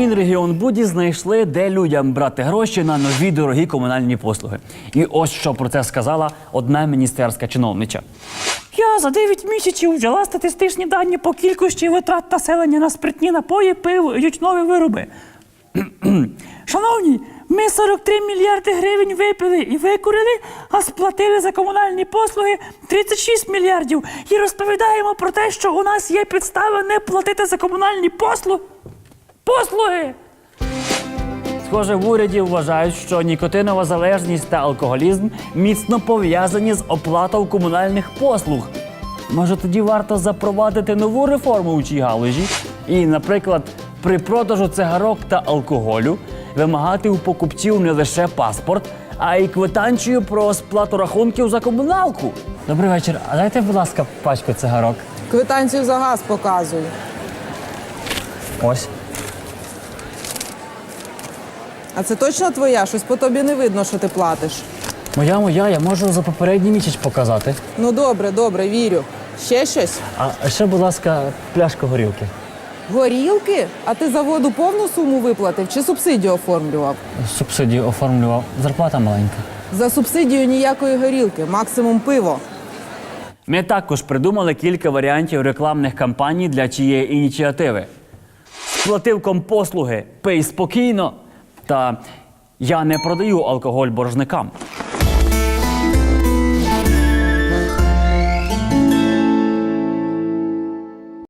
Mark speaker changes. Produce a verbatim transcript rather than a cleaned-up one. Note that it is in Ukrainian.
Speaker 1: Мінрегіонбуді знайшли, де людям брати гроші на нові дорогі комунальні послуги. І ось що про це сказала одна міністерська чиновнича. Я за дев'ять місяців взяла статистичні дані по кількості витрат населення на спиртні напої, пиво і ютюнові вироби. Шановні, ми сорок три мільярди гривень випили і викурили, а сплатили за комунальні послуги тридцять шість мільярдів. І розповідаємо про те, що у нас є підстави не платити за комунальні послуги. Послуги! Схоже, в уряді вважають, що нікотинова залежність та алкоголізм міцно пов'язані з оплатою комунальних послуг. Може, тоді варто запровадити нову реформу у цій галузі і, наприклад, при продажу цигарок та алкоголю вимагати у покупців не лише паспорт, а й квитанцію про сплату рахунків за комуналку. Добрий вечір. А дайте, будь ласка, пачку цигарок.
Speaker 2: Квитанцію за газ показуй.
Speaker 1: Ось.
Speaker 2: А це точно твоя? Щось по тобі не видно, що ти платиш.
Speaker 1: Моя, моя, я можу за попередній місяць показати.
Speaker 2: Ну добре, добре, вірю. Ще щось?
Speaker 1: А ще, будь ласка, пляшку горілки.
Speaker 2: Горілки? А ти за воду повну суму виплатив чи субсидію оформлював?
Speaker 1: Субсидію оформлював. Зарплата маленька.
Speaker 2: За субсидію ніякої горілки, максимум пиво.
Speaker 1: Ми також придумали кілька варіантів рекламних кампаній для цієї ініціативи. Сплатив компослуги, пий спокійно та я не продаю алкоголь боржникам.